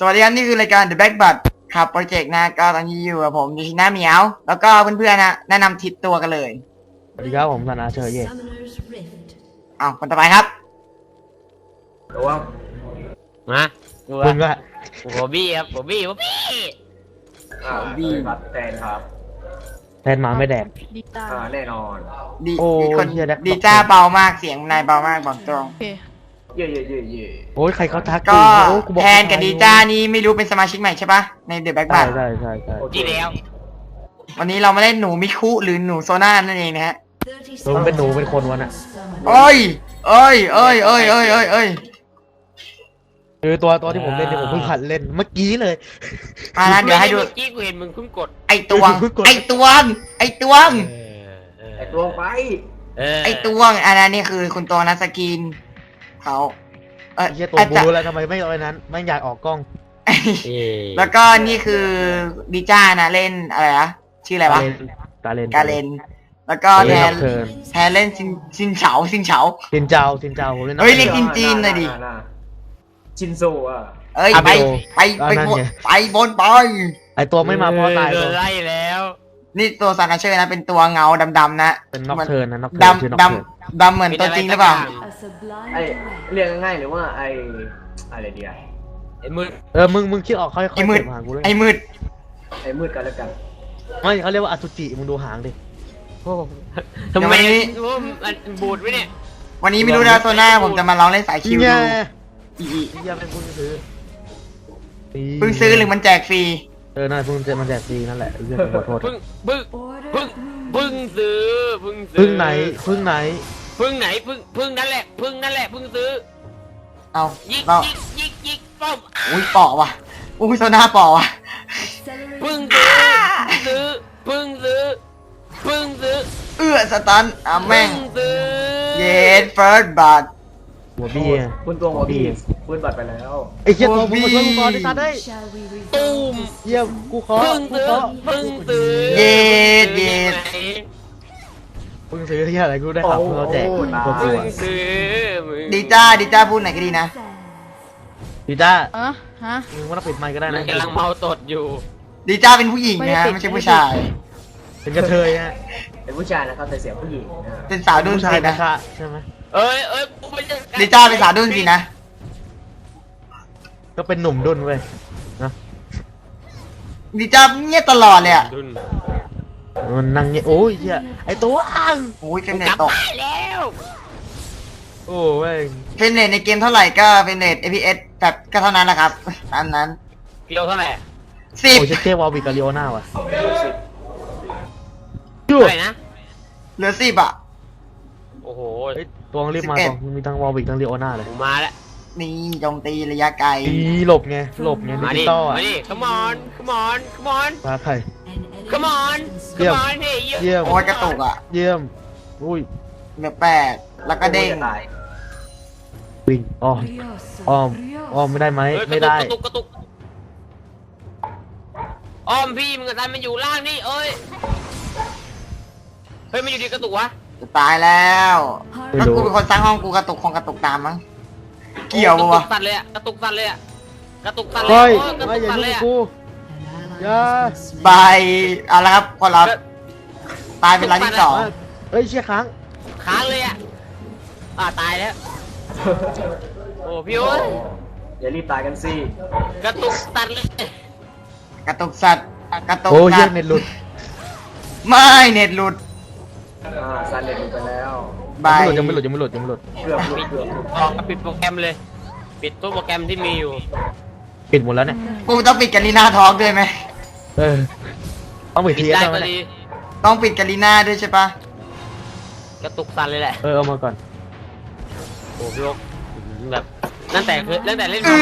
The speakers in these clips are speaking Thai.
สวัสดีครับนี่คือรายการ The Backbutt ครับโปรเจกต์นะก็ตอนนี้อยู่กับผมยูชิน่าเหมียวแล้วก็เพื่อนๆนะแนะนำทิศตัวกันเลยสวัสดีครับผมธนาเชยเย่เอาคนต่อไปครับระวังมาคุณก็ผมบี้ครับผมบี้บีครับแทนครับแทนหมาไม่แดกแน่นอนดีโอ้ยคนเหี้ยแดกดีจ้าเบามากเสียงนายเบามากบอกตรงเย่โอ้ยใครเขาทักก็โอ้กูบอกแทนกับดีจ้านี่ไม่รู้เป็นสมาชิกใหม่ใช่ปะใน The ใช่ Backbutt ใช่ที่แล้ววันนี้เรามาเล่นหนูมิคุหรือหนูโซน่านั่นเองนะฮะมึงเป็นหนูเป็นคนวะน่ะเอ้ยคือตัวที่ผมเล่นเนี่ยผมเพิ่งหัดเล่นเมื่อกี้เลยมานะเดี๋ยวให้ดูเมื่อกี้กูเห็นมึงเพิ่งกดไอตวงไอตวงไอตัวไปไอตวงอันนั้นนี่คือคุณตัวนัสกินเขาไอ้เหี้ยตัวกูรู้แล้วทำไมไม่เอาไอ้นั้นไม่อยากออกกล้องแล้วก็นี่คือดิจ้านะเล่นอะไรนะชื่ออะไรวะกาเลนแล้วก็แทนเล่นซินเฉาซินเจ้าผมเล่นเฮ้ยเรียกจีนเลยดิชินโซอ่ะเอ้ยไปบนไปไอตัวไม่มาพอตายตัวไล่แล้วนี่ตัวซานาเชอร์นะเป็นตัวเงาดำๆนะเป็นน็อกเทิร์นนะน็อกเทิร์นดำเหมือนตัวจริงหรือเปล่าไอเรียกง่ายๆหรือว่าไออะไรเดียไอ้มืดมึงคิดออกค่อยๆไอ้มืดไอ้มืดกันแล้วกันไม่เขาเรียกว่าอสุจิมึงดูหางดิทำไมมันบูดไว้เนี่ยวันนี้ไม่รู้นะตัวหน้าผมจะมาลองเล่นสายคิวดูอย่าเป็นคุณซื้อเพิ่งซื้อหรือมันแจกฟรีน่าเพิ่งมันแจกฟรีนั่นแหละเรื่องขอโทษพึ่งซื้อพึ่งไหนพึ่งนั่นแหละพึ่งซื้อเอายิกป้อมอุ้ยปอกว่ะอุ้ยโซน่าปอกว่ะพึ่งซื้อสตันแม่งเย็ดเฟิร์สบัตหัวบี้คุณตัวหัวบี้คุณบัตรไปแล้วไอ้เหี้ยตัวมึงมาช่วยกูก่อนดิสัตว์ได้ตูมเยี่ยมกูขอพึ่งซื้อเย็ดพึ่งซื้อที่อะไรกูได้ข่าวเพิ่งเราแจกตัวกูดีจ้าพูดไหนก็ดีนะดีจ้ามึงว่าเราปิดไมค์ก็ได้นะกำลังเมาตดอยู่ดีจ้าเป็นผู้หญิงนะไม่ใช่ผู้ชายเป็นกระเทยฮะเป็นผู้ชายนะครับแต่เสียงผู้หญิงเป็นสาวดุ้นสินะใช่ไหมดีจ้าเป็นสาวดุ้นสินะก็เป็นหนุ่มดุ้นเว้ยนะดีจ้าเงียบตลอดเลยอ่ะมันนั่งเงี้ยโอ้ยเหี้ยไอตัวอ้างโอ้ยเฟรมเรทตกแล้วโอ้เว้ยเฟรมเรทในเกมเท่าไหร่ก็เฟรมเรท FPS แบบก็เท่านั้นแหละครับตามนั้นกิโลเท่าไหร่ 10 โอ้ยเจ๊วอลบิกาลิโอน่าว่ะอะไรนะเหลือ10อ่ะโอ้โหตัวรีบมาตัวมีทั้งวอลบิกทั้งลิโอน่าเลยมาแล้วนี่โจมตีระยะไกลหลบไงมาดิมาดิ come on มาใคร come on เยี่ยมโอ้ยกระตุกอ่ะเยี่ยมอุ้ยเหลือ8แล้วก็เด้งวิ่งอ้อมไม่ได้ไหมไม่ได้กระตุกอ้อมพี่มึงกันมันอยู่ล่างนี่เอ้ยเฮ้ยมันอยู่ดีกระตุกวะจะตายแล้วถ้ากูเป็นคนสร้างห้องกูกระตุกตามมั้งเกี่ยวปะวะกระตุกสั่นเลยอะกระตุกสั่นเลยกูอย่าไปเอาละครับคนเราตายเป็นรายที่2 เฮ้ยเชี่ยค้างเลยอะตายแล้วโอ้พี่โอ้ยอย่ารีบตายกันสิกระตุกสั่นเลยกระตุกสัตว์โอ้ยเน็ตหลุดไม่เน็ตหลุดซันเน็ตหลุดไปแล้วยังไม่หลุดเกือบปิดโปรแกรมเลยปิดตัวโปรแกรมที่มีอยู่ปิดหมดแล้วเนี่ยกูต้องปิดกาลีน่าท้องด้วยไหมต้องปิดทีได้ไหมต้องปิดกาลีน่าด้วยใช่ปะกระตุกสั่นเลยแหละเอามาก่อนโอ้พี่โอ๊คแบบตั้งแต่เล่น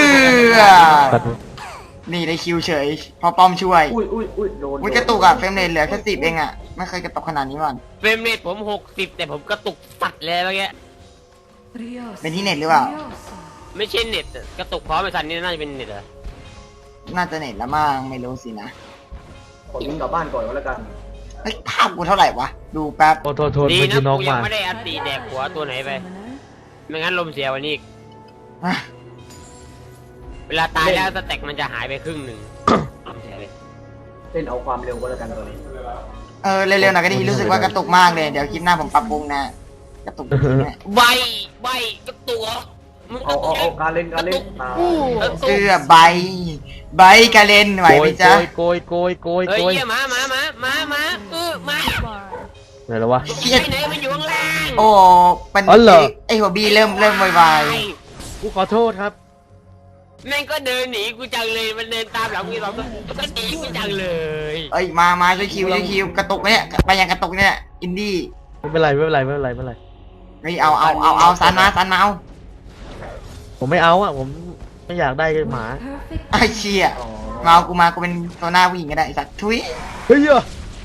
นี่ได้คิวเฉยพอป้อมช่วยโดนกระตุกอ่ะเฟรมเรทเหลือแค่10เองอ่ะไม่เคยกระตุกขนาดนี้มันเฟรมเรทผม60แต่ผมกระตุกสัดเลยเมื่อกี้เป็นที่เน็ตหรือเปล่าไม่ใช่เน็ตกระตุกพร้อมไอ้สันนี่น่าจะเป็นเน็ตเหรอน่าจะเน็ตละมั่งไม่รู้สินะขอยิงกลับบ้านก่อนก็แล้วกันภาพกูเท่าไหร่วะดูแป๊บโทษดีนะกูยังไม่ได้อัดตีแดกหัวตัวไหนไปไม่งั้นลมเสียวันนี้อีกเวลาตายแล้วสแต็กมันจะหายไปครึ่งหนึ่งเล่นเอาความเร็วก็แล้วกันตัวนี้เร็วๆหน่อยก็ดีรู้สึกว่ากระตุกมากเลยเดี๋ยวคลิปหน้าผมปรับปรุงนะกระตุกจริงๆเนี่ยใบกระตัวมึงกเอาระตัวการเล่นตายเสื้อใบกระเล่นไหวไหมจ๊ะโกยเฮ้ยมามาไหนแล้ววะไปไหนมันอยู่ข้างล่างโอ้ปันอ๋อเหรอไอหัวบีเริ่มวายกูขอโทษครับแม่งก็เดินหนีกูจังเลยมันเดินตามหลังกูสองตัวก็หนีกูจังเลยเอ้ยมาช่วยคิวกระตุกเนี่ยไปยังกระตุกเนี่ยอินดี้ไม่เป็นไรเฮ้ยเอาซันมาเอาผมไม่เอาอ่ะผมไม่อยากได้หมาไอ้เชี่ยมาเอากูเป็นตัวหน้าผู้หญิงก็ได้ไอ้สัตว์ทุยเฮ้ยอะ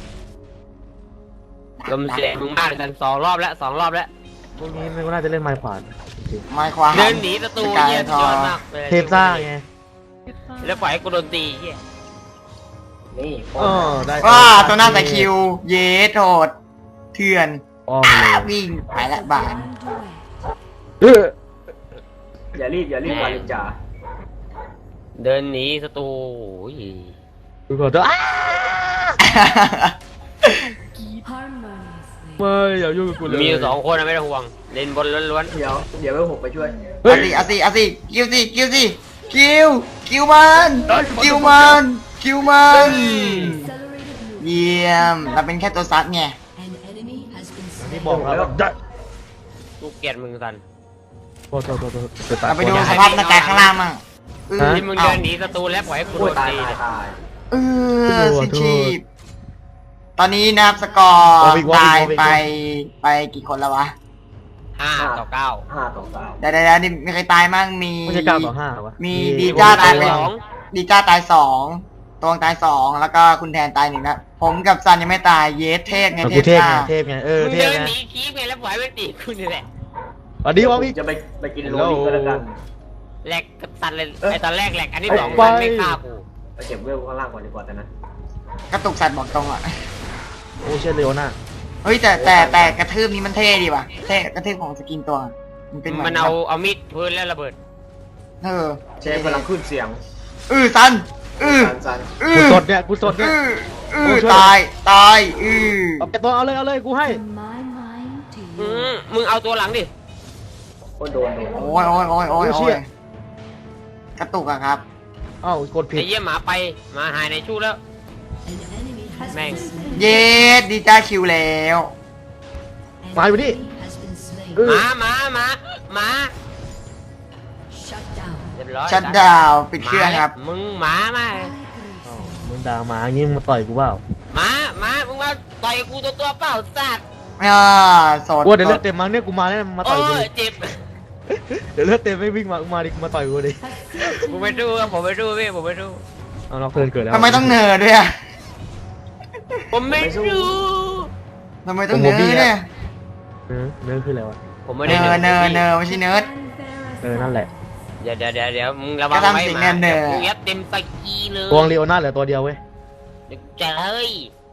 ลมเสียมึงมากกัน2 รอบแล้วพวกนี้ไม่น่าจะเล่นไม้ขวานจริงไม้ความเดินหนีศัตรูเยี่ยมยอดมากเลยเทพซ่าไงแล้วปล่อยให้กูโดนตีเหี้ยนี่ได้ว้าตัวหน้าใส่คิวเยสโหดเถื่อนอ้อมเลยวิ่งไปละบานอย่ารีบกว่าลินจ่าเดินหนีศัตรูโอ้ยกูขอโทษไม่อย่ายุ่งกับกูเลยมีอยู่2 คนนะไม่ต้องห่วงเล่นบนล้วนเดี๋ยวไปผมไปช่วยเอาสิคิวมันเยี่ยมเราเป็นแค่ตัวซัดไงที่บอกแล้วๆกูเกลียดมึงสันโทษเราไปดูสภาพหน้ากากข้างล่างมั่งที่มึงเดินหนีศัตรูแล้วปล่อยให้กูโดนตายตีเนี่ยสิชีพตอนนี้นะครับสกอร์ตายไปกี่คนแล้ววะ 5 ต่อ 9 5 ต่อ 9 เดี๋ยวนี่มีใครตายมั่งมีไม่ใช่9-5วะมีดีจ้าตายไปดีจ้าตาย2ตวงตาย2แล้วก็คุณแทนตาย1นะผมกับซันยังไม่ตายเยสเทพไงกูเทพจ้าไงเทพไงมึงเทพเดินไงหนีคีบไงแล้วปล่อยให้มันตีกูนี่แหละอันนี้ว่าพี่จะไปกินโรลิงก็แล้วกันแหลกกับสันเลยไอตอนแรกแหลกอันที่ 2 ไปมันไม่ฆ่ากูไปเก็บเวลข้างล่างก่อนดีกว่าแต่นะกระตุกสัตว์บอกตรงอ่ะโอ้เช่นเลโอน่าเฮ้ยแต่กระทืบนี้มันเท่ดีว่ะเท่กระทืบของสกินตัวมันเป็นเหมือนมันเอามีดพื้นแล้วระเบิดเชฟกำลังขึ้นเสียงซันสันกูสดเนี่ยตายเอาไปตัวเอาเลยกูให้มึงเอาตัวหลังดิโอ้โดนโอ้ยกระตุกอะครับอ้าวกดผิดไอ้เยี่ยหมาไปหมาหายในชู้แล้วแม่งเยสดีจ้าคิวแล้วมาอยู่นี่หมาเรียบร้อยชัดดาวปิดเครื่องครับมึงหมามามึงด่าหมางี้มึงมาต่อยกูเปล่าหมามึงมาต่อยกูตัวเปล่าสัตว์สดกูเดี๋ยวเลือดเต็มมั้งเนี่ยกูมาเนี่ยมาต่อยกูเจ็บเดี๋ยวเลือดเต็มไม่วิ่งมาดิมาต่อยกูดิผมไปดูพี่ผมไปดูเอาน็อกเทิร์นเกิดแล้วทำไมต้องเนิร์ด้วยอะผมไม่ดูทำไมต้องเนิร์เนี่ยเนื้อคืออะไรวะผมไม่เนิได้ร์ไม่ใช่เนิร์ดนั่นแหละเดี๋ยวมึงระวังก็ทำไว้สิ่งหมาเนิร์ดกูยัดเต็มตะกี้เลยตัวลีโอน่าเหลือตัวเดียวเว้ยเจ๋ย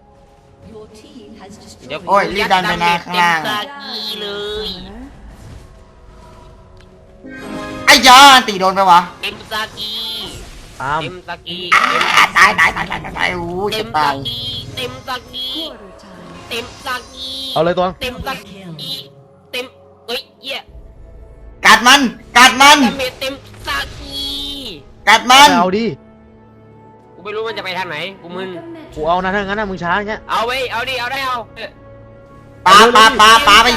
โอ้ยรีบดันไปนะข้างล่างเต็มตะกี้เลยไอ้ยาตีโดนไปวะเต็มตะกี้ตามเต็มตะกี้ตายโอ้ยเต็จะมตาตะยกี้เต็มตะกี้เต็มตะกี้เอาเลยตัวเต็มตะกี้เต็มเอ้ยเหี้ยกัดมันดาเมจเต็มตะกี้กัดมันเอาดิกูไม่รู้มันจะไปทางไหนกูมึนกูเอานะถ้างั้นนะมึงช้าอย่างเงี้ยเอาไว้เอาดิเอาได้เอาปาไป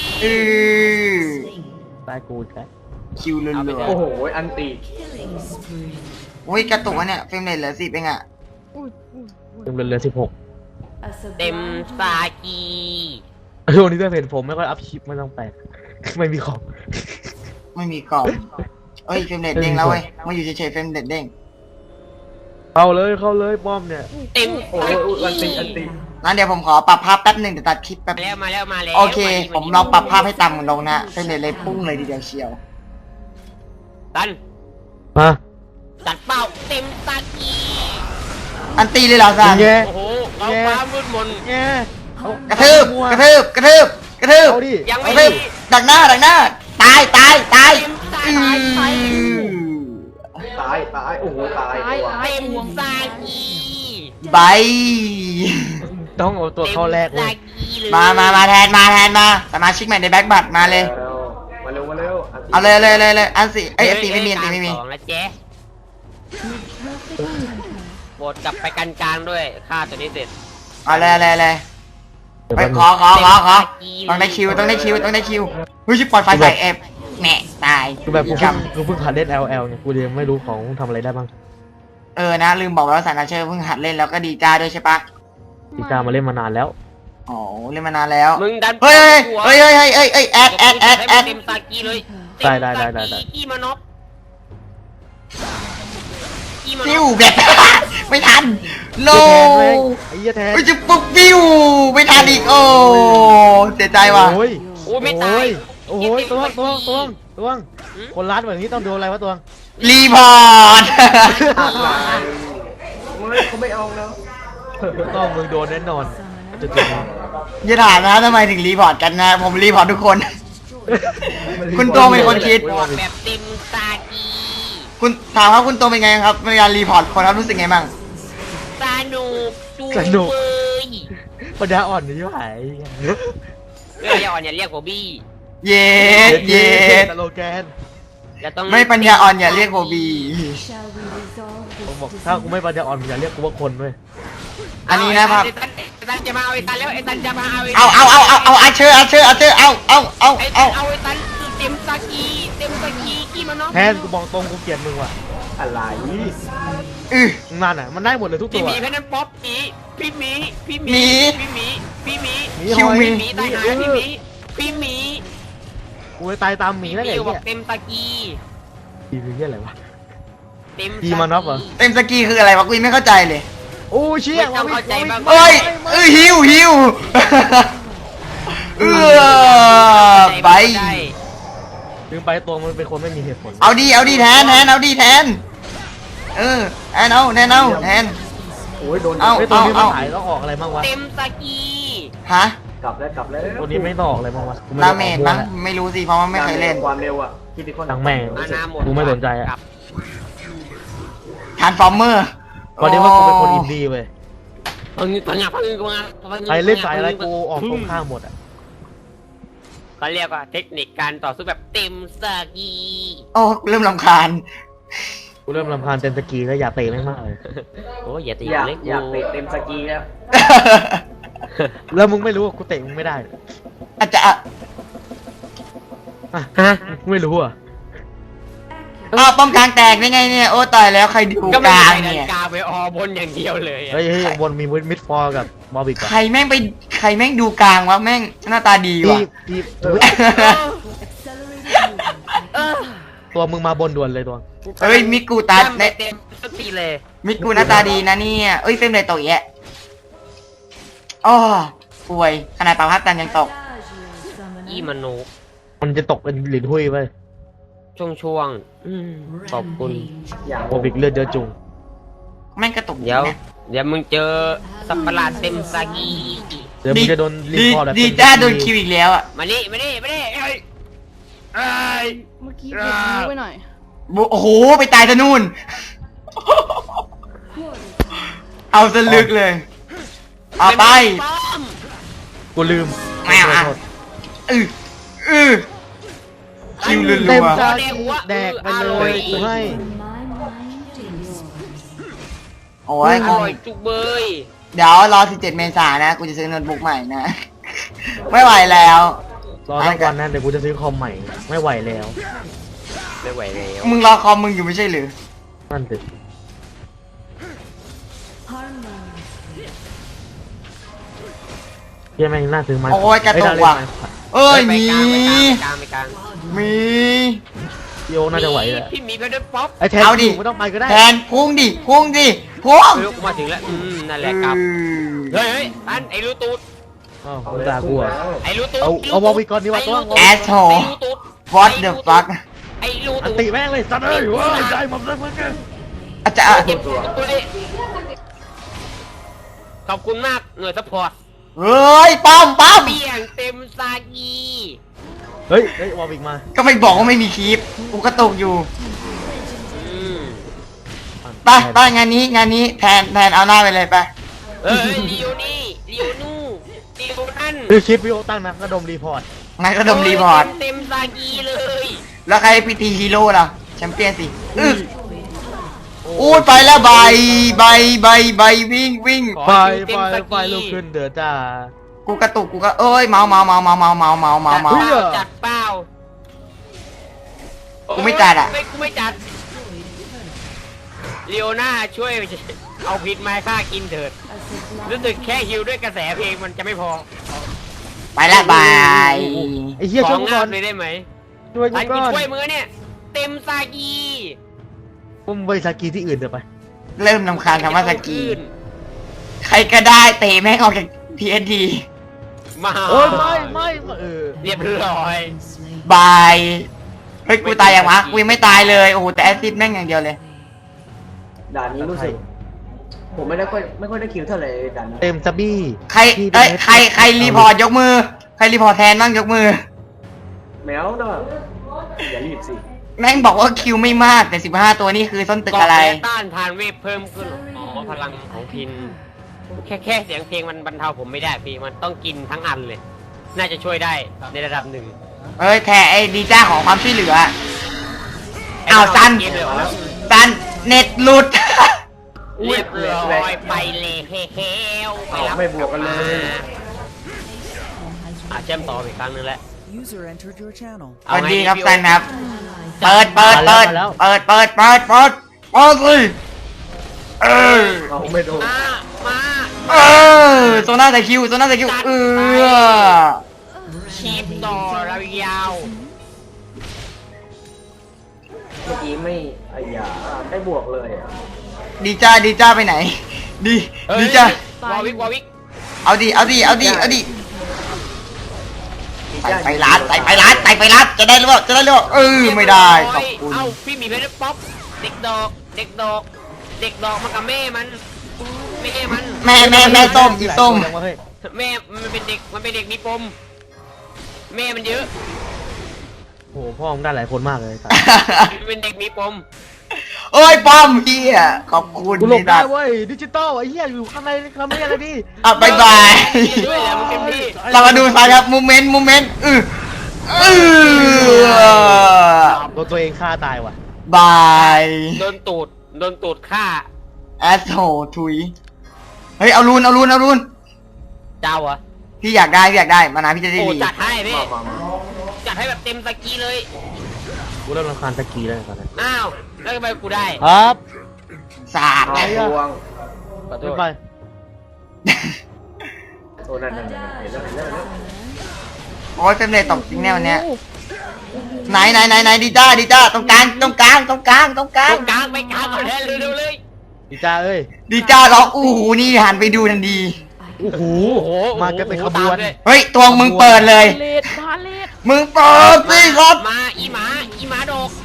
ตายกูแค่คิวเรือโอ้โหอันตีโอ้ยกระตุกอะเนี่ยเฟรมเรทเหลือ10เองอะเต็มเลย16 เต็มตะกีวันนี้จะเห็นผมไม่ค่อยอัพคลิปไม่ต้องแปลกไม่มีของไม่มีกรอบเอ้ยเฟรมเรทเด้งแล้วเว้ยมาอยู่เฉยๆเฟรมเรทเด้งเข้าเลยป้อมเนี่ยเต็มโอ้ยอันตีงั้นเดี๋ยวผมขอปรับภาพแป๊บหนึ่งเดี๋ยวตัดคลิปแป๊บมาแล้วโอเค ผมลองปรับภาพให้ต่ำลงนะเฟรมเรทเลยพุ่งเลยทีเดียวเชียวตันมาตัดเป้าเต็มตะกีอันตีเลยเหรอซันแย่โอ้โหเราความมืดมนแย่กระทืบเอาดิยังกไม่ระทืบดักหน้าตายเต็มตะกีตายไปต้องเอาตัวเข้าแรกเลยมาแทนมาสมาชิกใหม่ในแบ็คบัตมาเลยมาเร็วมาเร็วเอาเลยอันสิเอ้ยอันตีไม่มีอันตีไม่มีสองแล้วเจ๊โบดกลับไปกันกลางด้วยฆ่าตัวนี้เสร็จเอาเลยเดี๋ยวไปแป๊บนึงขอต้องได้คิวเฮ้ยชิบปล่อยไฟใส่เอฟแหม่ตายคือแบบกูกรเพิ่งหัดเล่น LL เนี่ยกูยังไม่รู้ของทำอะไรได้บ้างนะลืมบอกไปว่าสารนาเชอร์เพิ่งหัดเล่นแล้วก็ดีจ้าด้วยใช่ปะตีกามาเล่นมานานแล้วอ๋อเล่นมานานแล้วมึงดันเฮ้ยแอดเต็มตากีเลยได้กี้มานบกี้มาฟินวบแบบ ไม่ทันโลไอ้เหี้ยแทนเฮ้ยจะปุ๊บฟิวไม่ทันอีกโอ้เสียใจว่ะโอ้ยโอ้ยไม่ตายโอ้ยตัวงคนร้านแบบนี้ต้องโดนอะไรวะตัวงรีพอร์ตเขาไม่เอาแล้วต้องมึงโดนแน่นอนจุดอย่าถามนะทำไมถึงรีพอร์ตกันนะผมรีพอร์ตทุกคน คุณตัวเป็นคนคิดบอกแบบเต็มตากีคุณถามว่าคุณตัวเป็นไงครับในการรีพอร์ตคนครับรู้สึกไงบ้างสนุกเลยปัญญาอ่อนนี่ไหวเรื่องอย่าอ่อนอย่าเรียกโบบี้เย็ดสโลแกนจะต้องไม่ปัญญาอ่อนอย่าเรียกโบบีผมบอกถ้ากูไม่ปัญญาอ่อนมึงอย่าเรียกกูว่าคนเว้ยอันนี้นะครับไอ้ตันจะมาเอาไอ้ตันแล้วไอ้ตันจะมาเอาไอ้เอาอาเชอร์เอาไอ้ตันเอาไอ้ตันเต็มตากีกี้มานบแทนกูบอกตรงกูเกลียดมึงว่ะอะไรนั่นอ่ะมันได้หมดเลยทุกตัพี่วหมีเพชรนั้นป๊อปพี่หมีคิวมีพี่หมีตายหาพี่หมีกูไปตายตามหมีแล้วไงพี่บอเนี่กยเต็มตากีทีคือเหี้ยอะไรวะเต็มกีมานอฟเหรอเต็มสกีคืออะไรวะกูยังไม่เข้าใจเลยโอ้เชี่ยไม่ต้องเข้าใจบ้างเอ้ยหิวไปถึงไปตัวมันเป็นคนไม่มีเหตุผลเอาดีแทนแทนแทนแทนโอ้ยโดนไอ้ตัวนี้มันถ่ายต้องออกอะไรบ้างวะเต็มตากีฮะกลับแล้วตัวนี้ไม่ต้องออกอะไรบ้างวะกูไม่ดารู้เมจมั้งไม่รู้สิเพราะว่าไม่เคยเล่นความเร็วอ่ะคิดดิคอนทั้งแม่งอาณาหมดกูไม่สนใจอะครับทานฟอร์เมอร์พอดีว่ากูเป็นคนอินดี้เว้ยพังกูมาใครเล่นสายอะไรกูออกตรงข้ามหมดอ่ะเขาเรียกว่าเทคนิคการต่อสู้แบบเต็มตากีโอ้เริ่มรำคาญกูเริ่มรำคาญเต็นสกีแล้วอยากเตะแม่งมากเลยโอ้ยอย่าตีอยากเล็กอยากเตะเต็มสกีแล้วแล้วมึงไม่รู้ว่ากูเตะมึงไม่ได้อาจจะฮะไม่รู้อ่ะป้อมกลางแตกได้ไงเนี่ยโอ้ตายแล้วใครดูก็กไม่ลางได้เนี่ยกาไปอบนอย่างเดียวเลยอะเฮ้ยบนมีมิดฟอร์กับบอบิกอะใครแม่งดูกลางวะแม่งหน้าตาดีว่ะพี่เออตัวมึงมาบนด่วนเลยตัวเฮ้ยมิกูตาจำไปเต็มสักทีเลยมิกูหน้าตาดีนะเนี่ยเอ้ยเฟรมเลยตกแยะอ้อป่วยขนาดปาพัดตันยังตกอีมนุษย์มันจะตกเป็นหลินหุ้ยไปช่วงขอบคุณอย่างบอบิกเลือดเยอะจุงแม่งกระตุกเดี๋ยวนะเดี๋ยวมึงเจอสัตว์ประหลาดเต็มซากีเดี๋ยวมึงจะโดนรีพอร์ตแบบดีจ้าโดนคิวอีกแล้วอ่ะมานี่เอ้ยเมื่อกี้เก็บนิ้วไว้หน่อยโอ้โหไปตายซะนู่น เอาซะลึกเลยเอาไปกูลืมไม่เอาขโทษคิวรัเต็มวซากีแดกไปเลยกูให้ๆโอ้ยอร่อยจุกเบยเดี๋ยวรอ17 เมษายนนะ กูจะซื้อโน้ตบุ๊กใหม่นะ ไม่ไหวแล้วรอทั้งวันนั้นเดี๋ยวกูจะซื้อคอมใหม่ไม่ไหวแล้วไม่ไหวแล้วมึงรอคอมมึงอยู่ไม่ใช่หรือนั่นสิเหี้ยังแม่งน่าซื้อไหมโอ้ยกระตุกว่ะ เอ้ยมีไปกลางมีโยน่าจะไหวแหละพี่มีก็ได้ป๊อปไอ้แทนเอาดิไม่ต้องไปก็ได้แทนพุ่งดิพุ่งไม่รู้กูมาถึงแล้วนั่นแหละครับเฮ้ยอันไอ้รูตูดอ้าวกูด่ากูอ่ะไอ้รูตูดเอาบอลไปก่อนดีกว่าตัวแอสโฮ What the fuck ไอ้รูอันตูดติแม่งเลยสัตว์เอ้ยเว้ยใจหมดเลยมึงกันอาจจะเก็บตัวขอบคุณมากหน่วยซัพพอร์ตเฮ้ยป้อมเปี่ยงเต็มซากีเฮ้ยบอลอีกมาก็ไม่บอกว่าไม่มีคลิป กูกระตุกอยู่ ไปงานนี้แทนเอาหน้าไปเลยไปเอ้ยลิโอนี่ลิโอนู่ลิโอนั่นคือคลิปวิโอตั้งนะก็ดมรีพอร์ตงั้นก็ดมรีพอร์ตเต็มซากีเลยแล้วใครพีทีฮีโร่ล่ะแชมเปี้ยนสิอู้ไปแล้วใบวิ่งไฟลุกขึ้นเดือดจ้ากูกระตุกกูก็เอ้ยเมาเฮ้ยจัดเปล่ากูไม่จัดอะกูไม่จัดลีโอน่าช่วยเอาพิษมาให้ข้ากินเถิดรู้สึกแค่ฮิวด้วยกระแสเพลงมันจะไม่พอไปแล้วบายไอ้เหี้ยขช่อวยกูงาก่อนบเลยได้ไหมช่วยกูทันก่กินอนช่วยมือเนี่ย เต็มซากีผมไปสกีที่อื่นเดี๋ยวไปเริ่มนำคาญคำว่าสกีขึ้นใครก็ได้เตะแม่งออกจาก TSD มาโอ้ยไม่เรียบร้อยบายเฮ้ยกูตายยังวะกูยังไม่ตายเลยโอ้โหแต่แอสซิดแม่งอย่างเดียวเลยด่านนี้รู้สึก ผมไม่ค่อยได้คิวเท่าไหร่ด่านนี้เต็มซับบี้ใครเอ้ยใครรีพอร์ตยกมือใครรีพอร์ตแทนบ้างยกมือแมวนะอย่ารีบสิแม่งบอกว่าคิวไม่มากแต่15ตัวนี่คือส้นตึกอะไรเกาต้านทานเวทเพิ่มขึ้นอ๋อพลังของพินแค่เสียงเพลงมันบรรเทาผมไม่ได้พี่มันต้องกินทั้งอันเลย น่าจะช่วยได้ในระดับหนึ่งเอ้ยแทไอ้ดีจ้าของความช่วยเหลืออ้าวซันเกมเลยเหรอซันเน็ตหลุดเรียบร้อยไปเลยเฮ้วไปรับไม่บวกกันเลยเชื่อมต่ออีกครั้งนึงแล้ว User entered your channel. สวัสดีครับซันครับเปิดสิเออเอาไม่โดนมาเออโซน่าใส่คิวเออชีพต่อเรายาวเมื่อกี้ไม่ไอ้ยาได้บวกเลยอ่ะดีจ้าไปไหนดีจ้าวอวิกเอาดิใส่ไปร้านจะได้หรือเปล่าเออไม่ได้ขอบคุณเอ้าพี่มีเพชรป๊อปเด็กดอกมากับแม่มันแม่ส้มอีส้มแม่มันเป็นเด็กมีปมแม่มันเยอะโอ้โหพ่อมึงได้หลายคนมากเลยมันเป็นเด็กมีปมโอ้ยป้อมเฮียขอบคุณกูหลบได้เว้ยดิจิตอลไอ้เหี้ยอยู่ข้างในอะไรดิอ่ะบายด้วยแหละมันเป็นพี่เรามาดูซะครับโมเมนต์โดนตัวเองฆ่าตายว่ะบายโดนตูดฆ่าแอสโหทุยเฮ้ยเอารูนเจ้าเหรอพี่อยากได้มานะพี่จะได้โอ้ดีจัดให้พี่มาจัดให้แบบเต็มสกีเลยกูเริ่มรำคาญสกีแล้วตอนนี้อ้าวแล้วทำไมกูได้ครับสาดเอาบวงขอโทไม่ษไปโอ้นั่นเห็นแล้วโอ้ยเป็นเลยตกจริงแน่วันเนี้ยไหนดีจ้าตรงกลางตรงกลางไปกลางก่อนเร็วเลยดีจ้าเอ้ยดีจ้าร้องอู้หูนี่หันไปดูทันทีโอ้โหมากันเป็นขบวนเฮ้ยตัวมึงเปิดเลยเลดพาเลดมึงเปิดสิครับมาอีหมาดก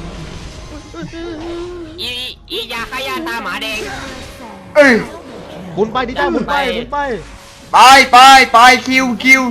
อียาขยาตาหมาแดงเอ้ยหมุนไปดิจ้าหมุนไปไปคิว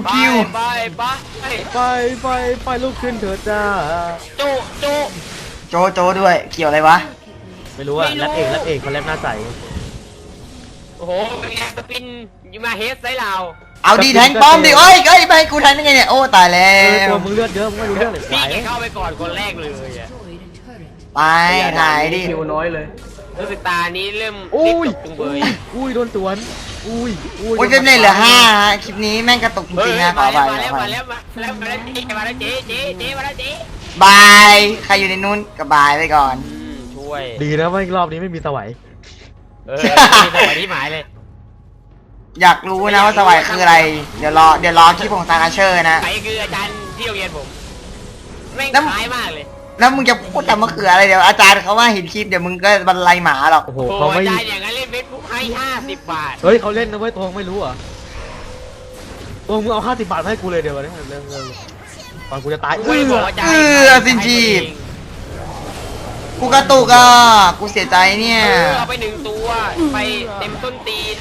ไปลุกขึ้นเถิดจ้าโจโจด้วยเกี่ยวอะไรวะไม่รู้อะแรปเอกเขาแรปหน้าใสโอ้โหเป็นไงสปินยูมาเฮดไซเราเอาดีแทงป้อมดิเอ้ยไม่ให้กูแทงได้ไงเนี่ยโอ้ตายแล้ตัวมึงเลือดเยอะมึงไม่รู้เรื่องเลยพี่แกเข้าไปก่อนคนแรกเลยอะไปถ่ายดิคิวน้อยเลยรู้สึกตานี้เริ่มอุ้ยจุงเบยอุ้ยโดนสวนอุ้ยโอ้ยเฟรมเรทเหลือ5ฮะคลิปนี้แม่งกระตุกจริงๆนะขอไปมาแล้วเจ๊มาแล้วเจ๊บายใครอยู่ในนู้นก็บายไปก่อนช่วยดีนะว่ารอบนี้ไม่มีสวัยสวัสดีหมายเลยอยากรู้นะว่าสวายคืออะไร เดี๋ยวรอคลิปของซางอาเชอร์นะใครคืออาจารย์ที่โรงเรียนผมแม่งคล้ายมากเลยแล้วมึงจะพูดทำมะเขืออะไรเดี๋ยวอาจารย์เขาว่าเห็นคลิปเดี๋ยวมึงก็บรรลัยหมาหรอกโอ้โหโอ้เขาไม่อาจารย์อย่างนั้นเล่นเฟซบุ๊กให้50 บาทเฮ้ยเขาเล่นนะเว้ยตัวไม่รู้เหรอตัวมึงเอา50 บาทมาให้กูเลยเดี๋ยววันนี้เรื่องก่อนกูจะตายสินชีพกูกระตุกอ่ะกูเสียใจเนี่ยเอาไป1 ตัวไปเต็มต้นตีน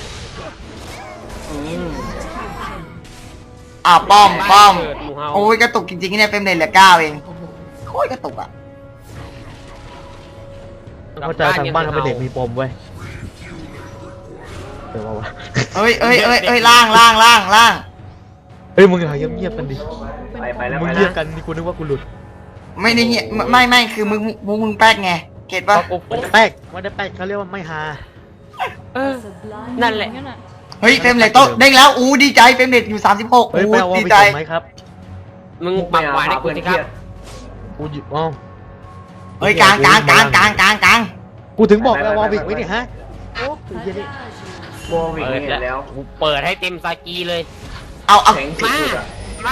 ป้อมโอ้ยกระตุกจริงๆเนี่ยเฟรมเรทเหลือ9เองโคตรกระตุกอ่ะเข้าใจทางบ้านเขาเป็นเด็กมีปมเว้ยเดี๋ยววะเอ้ยล่างเฮ้ยมึงอย่าเงียบๆกันดิไปแล้วมึงไปเงียบแล้วกันนี่กูนึกว่ากูหลุดไม่ได้เงี้ยไม่คือมึงแป๊กไงเก็ตเพปะราะกูแป๊กไม่ได้แป๊กเขาเรียกว่าไม่ฮานั่นแหละเฮ้ยเฟรมเรทโต๊ะเด้งแล้วอู้ดีใจเฟรมเรทอยู่36 เฮ้ยอู้ไปเอาวอลดีไปใจก่อนไหมครับมึงปรับหวานให้กูสิครับกูหยุดอ้าวเฮ้ยกลางกูถึงบอกแล้ววอลวิกไว้เนี่ยฮะโอ้ยเหี้ยนี่โบวิกเปิดเห็นแล้วกูเปิดให้เต็มซากีเลยเอาแข็งสุมาดๆอ่ะมา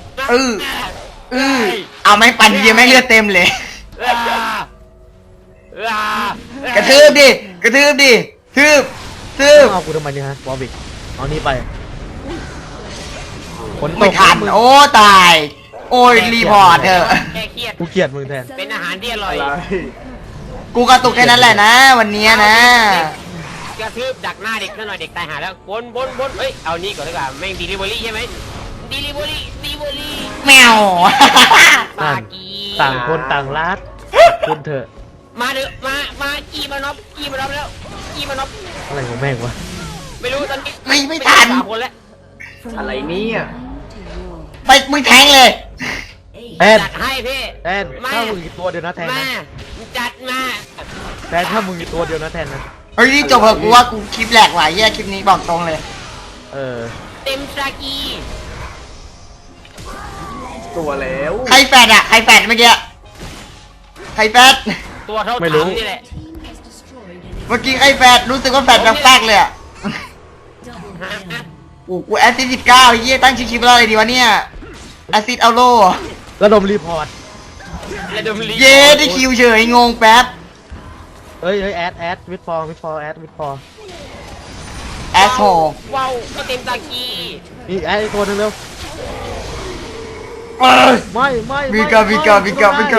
เอาไม่ปั่นทีเดียวไม่เลือดเต็มเลย กระทืบดิทืบเอากูทำไมเนี่ยฮะวอลวิกเอานี่ไปฝนตไม่กทันโอ้ตาย โอ้ยรีพอร์ตเถอะแค่เครียดกูเกลียดมึงแทนเป็นอาหารที่อร่อยอะไรกูกระตุกแค่นั้นแหละนะ วันเนี้ยนะกระทืบดักหน้าเด็กนั่นหน่อยเด็กตายหาแล้วบนเฮ้ยเอานี่ก่อนดีกว่าแม่งดีลิเวอรี่ใช่ไหมดีลิเวอรี่แมวซากีต่างคนต่างรักคุณเถอะมาเถอะมากีมานอบแล้วกีมานอบอะไรของแม่งวะไม่รู้ตอนนี้ไม่ทันสามคนแล้วอะไรเนี่ยไปมึงแทงเลยแทนจัดให้พี่แทนถ้ามึงอีกตัวเดียวนะแทนมานะจัดมาแทนถ้ามึงอีกตัวเดียวนะแทนนะเฮ้ยนี่จบเหอะกูว่ากูคลิปแหลกหลายแย่คลิปนี้บอกตรงเลยเออเต็มซากีตัวแล้วใครแฟดเมื่อกี้ใครแฟดตัวเท่าไม่รู้ถังนี่แหละเมื่อกี้ใครแฟดรู้สึกว่าแฟดแปลกๆเลยอ่ะฮะกูแอสซิด19เฮียตั้งชื่อคลิปว่าอะไรดีวะเนี่ยแอสซิดเอาโลระดมรีพอร์ตและดมลีเย้ได้คิวเฉยงงแป๊บเฮ้ยแอดวิดฟอร์แอดวิดฟอร์แอสโฮว้าวก็เต็มซากีนี่แอดอีกตัวหนึงเร็วเอ้ยไม่วิกาอ๋อวิกาไหน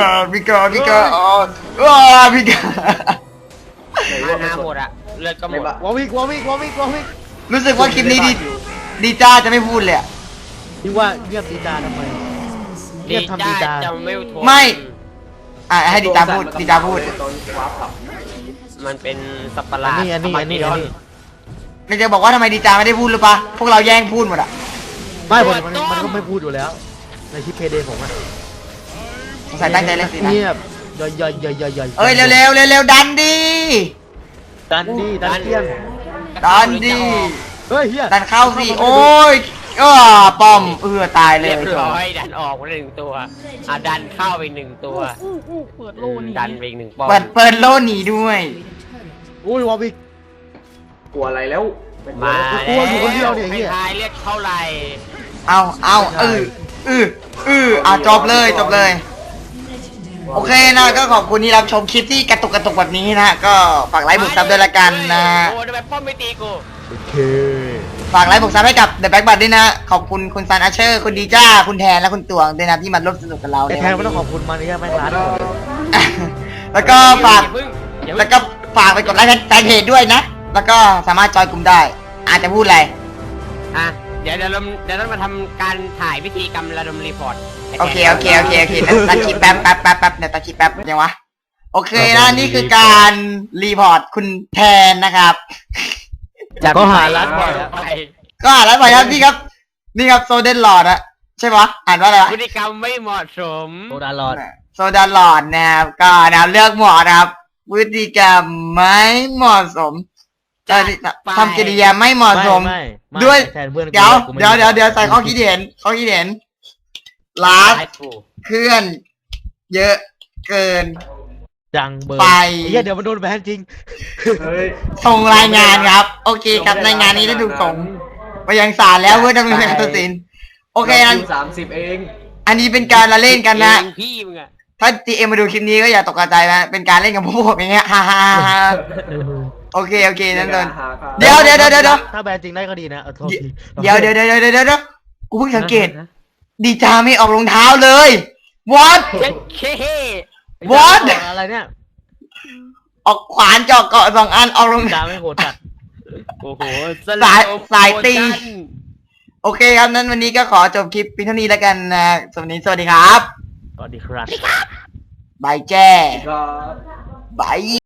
มาว่านาไม่หมดอะเลือดก็หมไม่ดบ้าวอลวิกรู้สึกว่าคลิปนี้ดีจ้าจะไม่พูดเลยอะนี่ว่าเงียบดีดาทำไมเงียบทำดีดาจะไม่ทนไม่ อ่ะให้ดีจ้าพูดตอน ว้าร์ปผับมันเป็นสัตว์ประหอัลาน ดนี้ไม่จะบอกว่าทำไมดีจ้าไม่ได้พูดหรือปะพวกเราแย่งพูดหมดอ่ะไม่มันก็ไม่พูดอยู่แล้ว ในคลิปเพเดผมอะสงสัยตั้งใจเล่นสินะเงียบย่อยเอ้ยเร็วดันดิดันดีดันเตี้ยนดันดิเฮ้ยเฮียดันเข้าสิโอ้ยป้อมตายเลเรียยบร้อยดันออกไปหนึ่งตัวอ่ะดันเข้าไปหนึ่งตัวเปิดโลนี่ดันไปอีกหนึ่งป้อมเปิดโลหนีด้วยอุ้ยวอลวิกกลัวอะไรแล้วมากูกลัวอยู่คนเดียวเนี่ยไอ้เหี้ยไม่ทายเลือดเท่าไหร่เอาจบเลย โอเคนะก็ขอบคุณที่รับชมคลิปที่กระตุกแบบนี้นะก็ฝากไลค์บุกซับด้วยละกันนะโอ้ทำไมป้อมไม่ตีกูโอเคฝากไลค์บุกซับให้กับ The Back Bud ด้วยนะขอบคุณคุณซันอาเชอร์คุณดีจ้าคุณแทนและคุณตวงด้วยนะที่มาร่วมสนุกกับเราไอ้ในแทนวัไม่นต้องนี้ขอบคุณมันนี่แม่งร้านแล้วก็ฝากอย่าเพิ่งแล้วก็ฝากไปกดไลค์แฟนเพจด้วยนะ แล้วก็สามารถจอยกลุ่มได้ อาจจะพูดอะไรอ่ะเดี๋ยวเรามาทำการถ่ายพิธีกรรมระดมรีพอร์ตโอเคตัดคลิปแป๊บเดี๋ยวตัดคลิปแป๊บยังวะ โอเคนะนี่คือการรีพอร์ตคุณแทนนะครับก็หาร้านบ่อยไปก็อ่านแล้วไปครับนี่ครับ นี่ครับโซเดนหลอดอะใช่ปะอ่านว่าอะไรวะพฤติกรรมไม่เหมาะสมโซดาลอดโซดาหลอดนะครับก็นะครับเลือกหมอนะครับพฤติกรรมไม่เหมาะสมทำกิริยาไม่เหมาะสม ด้วยแทนเพื่อนเดี๋ยวใส่ข้อคิดเห็นลาสไอ้กูเคลื่อน เยอะเกินจังเบอร์ไปเฮียเดี๋ยวมันโดนแบนจริงเฮ้ยส่งรายงานครับ โอเคครับรายงานนี้ได้ถูกส่งไปยังศาลแล้วเพื่อดำเนินการตัดสินโอเคนะ 30 เองอันนี้เป็นการละเล่นกันนะเองพี่มึงอะถ้า GM มาดูคลิปนี้ก็อย่าตกใจนะเป็นการเล่นกับพวกผมอย่างเงี้ยฮ่าฮ่าฮ่าโอเคนั่นนนเดี๋ยวถ้าแบนจริงได้ก็ดีนะเอาโทษทีเดี๋ยวกูเพิ่งสังเกต ดีจาไม่ออกรองเท้าเลย what เจ๊เค what อะไรเนี่ยออกขวานเจาะเกาะ2 อันออกรองดาเท้าไม่โหดจัดโอ้โหสายตี โอเคครับนั้นวันนี้ก็ขอจบคลิปเพียงเท่านี้แล้วกันนะสวัสดีครับสวัสดีครับบายแจ้ก็บาย